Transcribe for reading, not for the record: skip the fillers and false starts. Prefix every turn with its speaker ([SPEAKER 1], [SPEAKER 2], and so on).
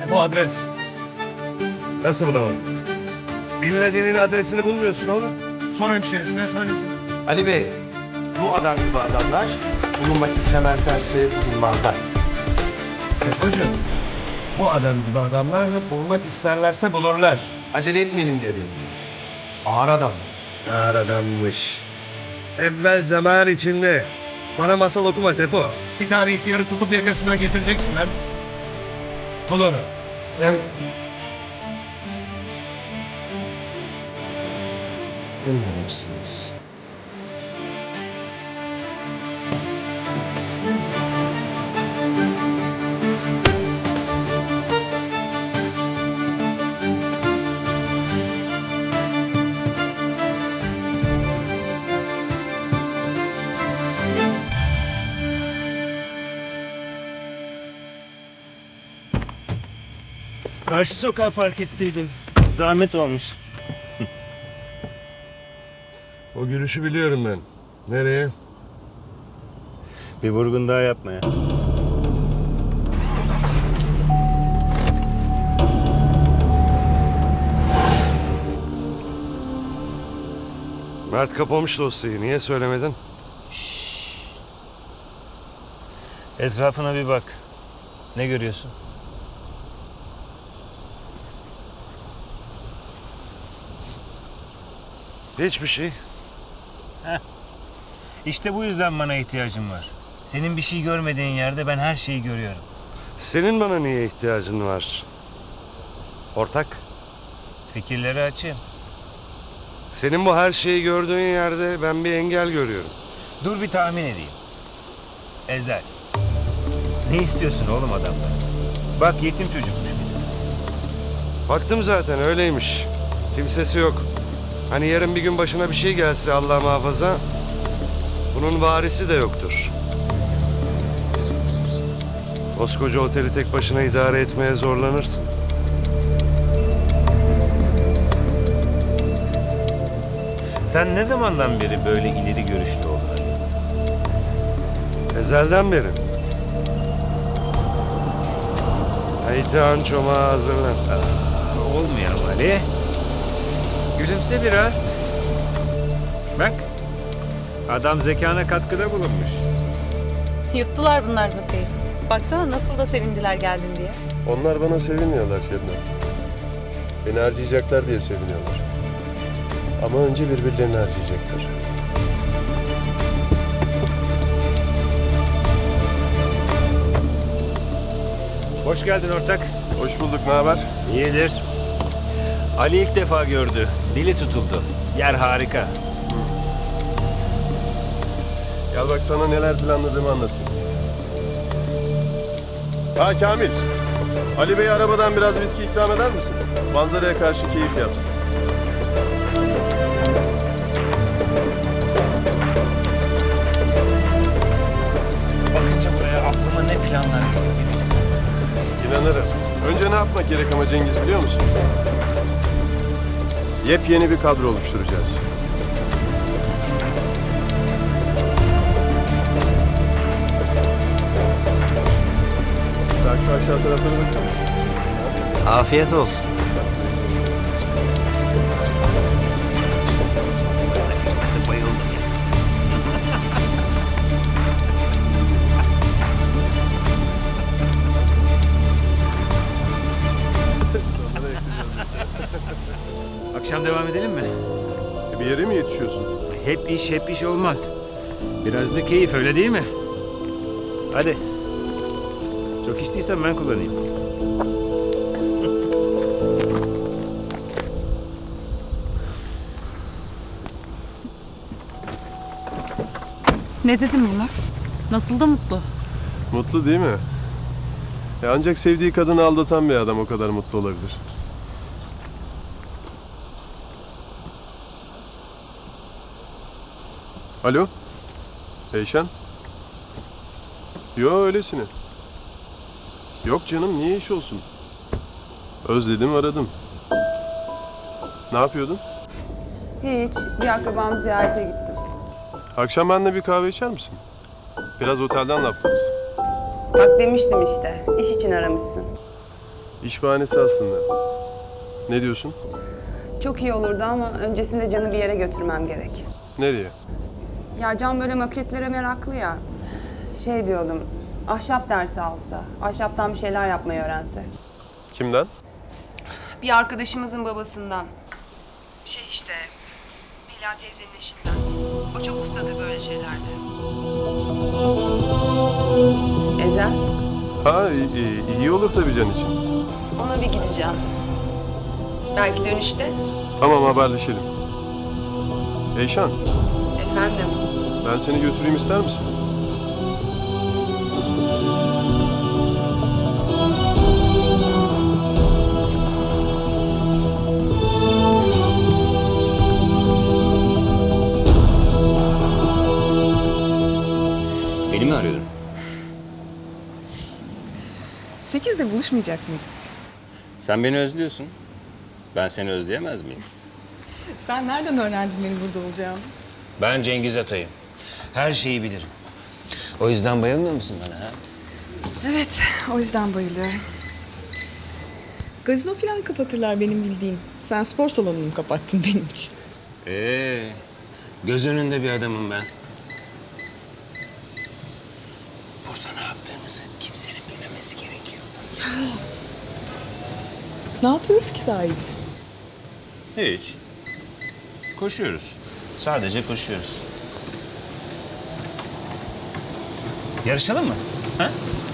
[SPEAKER 1] Bu adres. Nasıl bulamadın? Bilmediğinin adresini bulmuyorsun oğlum. Son hemşerisine söylesin.
[SPEAKER 2] Ali Bey, bu adam gibi adamlar bulunmak istemezlerse bulunmazlar.
[SPEAKER 1] Hocam, bu adam gibi adamlar bulmak isterlerse bulurlar.
[SPEAKER 2] Acele etmeyelim dedim. Ağır adam.
[SPEAKER 1] Ağır adammış. Evvel zaman içinde. Bana masal okuma Sefo. Bir tane ihtiyarı tutup yakasından getireceksin lan. Tut onu.
[SPEAKER 2] Hem... Emredersiniz.
[SPEAKER 3] Karşı sokağa park etseydin. Zahmet olmuş.
[SPEAKER 1] O gülüşü biliyorum ben. Nereye?
[SPEAKER 3] Bir vurgun daha yapma ya.
[SPEAKER 1] Mert kapamış dosyayı. Niye söylemedin?
[SPEAKER 3] Etrafına bir bak. Ne görüyorsun?
[SPEAKER 1] Hiçbir şey.
[SPEAKER 3] İşte bu yüzden bana ihtiyacım var. Senin bir şey görmediğin yerde ben her şeyi görüyorum.
[SPEAKER 1] Senin bana niye ihtiyacın var? Ortak.
[SPEAKER 3] Fikirleri açayım.
[SPEAKER 1] Senin bu her şeyi gördüğün yerde ben bir engel görüyorum.
[SPEAKER 3] Dur bir tahmin edeyim. Ezel. Ne istiyorsun oğlum adamdan? Bak yetim çocukmuş bir de.
[SPEAKER 1] Baktım zaten öyleymiş. Kimsesi yok. Hani yarın bir gün başına bir şey gelse Allah muhafaza, bunun varisi de yoktur. Koskoca oteli tek başına idare etmeye zorlanırsın.
[SPEAKER 3] Sen ne zamandan beri böyle ileri görüşlü oldun Ali?
[SPEAKER 1] Ezelden beri. Aytan çomağa hazırlan.
[SPEAKER 3] Olmuyor Ali. Gülümse biraz. Bak. Adam zekana katkıda bulunmuş.
[SPEAKER 4] Yuttular bunlar Zıkkı'yı. Baksana nasıl da sevindiler geldin diye.
[SPEAKER 5] Onlar bana sevinmiyorlar Şebnem. Beni harcayacaklar diye seviniyorlar. Ama önce birbirlerini harcayacaklar.
[SPEAKER 3] Hoş geldin ortak.
[SPEAKER 5] Hoş bulduk, ne haber?
[SPEAKER 3] İyidir. Ali ilk defa gördü. Dili tutuldu. Yer harika.
[SPEAKER 5] Gel bak sana neler planladığımı anlatayım. Ha Kamil, Ali Bey'e arabadan biraz viski ikram eder misin? Manzaraya karşı keyif yapsın.
[SPEAKER 3] Bakınca buraya aklıma ne planlar geliyor bilirsin.
[SPEAKER 5] İnanırım. Önce ne yapmak gerek ama Cengiz biliyor musun? Yepyeni bir kadro oluşturacağız. Sen şu aşağı taraflara baksana.
[SPEAKER 3] Afiyet olsun. Bayıldım ya. Akşam devam edelim mi?
[SPEAKER 5] Bir yere mi yetişiyorsun?
[SPEAKER 3] Hep iş olmaz. Biraz da keyif öyle değil mi? Hadi. Çok içtiysen ben kullanayım.
[SPEAKER 4] Ne dedim bunlar? Nasıl da mutlu.
[SPEAKER 5] Mutlu değil mi? Ancak sevdiği kadını aldatan bir adam o kadar mutlu olabilir. Alo? Eyşan? Yo öylesine. Yok canım niye iş olsun? Özledim aradım. Ne yapıyordun?
[SPEAKER 6] Hiç. Bir akrabamı ziyarete gittim.
[SPEAKER 5] Akşam benimle bir kahve içer misin? Biraz otelden laflarız.
[SPEAKER 6] Bak demiştim işte. İş için aramışsın.
[SPEAKER 5] İş bahanesi aslında. Ne diyorsun?
[SPEAKER 6] Çok iyi olurdu ama öncesinde Can'ı bir yere götürmem gerek.
[SPEAKER 5] Nereye?
[SPEAKER 6] Ya Can böyle maketlere meraklı ya. Şey diyordum, ahşap dersi alsa, ahşaptan bir şeyler yapmayı öğrense.
[SPEAKER 5] Kimden?
[SPEAKER 6] Bir arkadaşımızın babasından. Şey işte, Mela teyzenin eşinden. O çok ustadır böyle şeylerde. Ezel,
[SPEAKER 5] Ha iyi olur tabii Can için.
[SPEAKER 6] ona bir gideceğim. Belki dönüşte.
[SPEAKER 5] Tamam haberleşelim. Eyşan,
[SPEAKER 6] Efendim,
[SPEAKER 5] ben seni götüreyim ister misin?
[SPEAKER 3] Beni mi arıyordun?
[SPEAKER 7] 8'de buluşmayacak mıydık biz?
[SPEAKER 3] Sen beni özlüyorsun. Ben seni özleyemez miyim?
[SPEAKER 7] Sen nereden öğrendin benim burada olacağımı?
[SPEAKER 3] Ben Cengiz Atay'ım. Her şeyi bilirim. O yüzden bayılmıyor musun bana ha?
[SPEAKER 7] Evet, o yüzden bayılıyorum. Gazino falan kapatırlar benim bildiğim. Sen spor salonumu kapattın benim için.
[SPEAKER 3] Göz önünde bir adamım ben. Burada ne yaptığımızı kimsenin bilmemesi gerekiyor.
[SPEAKER 7] Ne yapıyoruz ki sahibiz?
[SPEAKER 3] Hiç. Koşuyoruz. Sadece koşuyoruz. Yarışalım mı? Ha?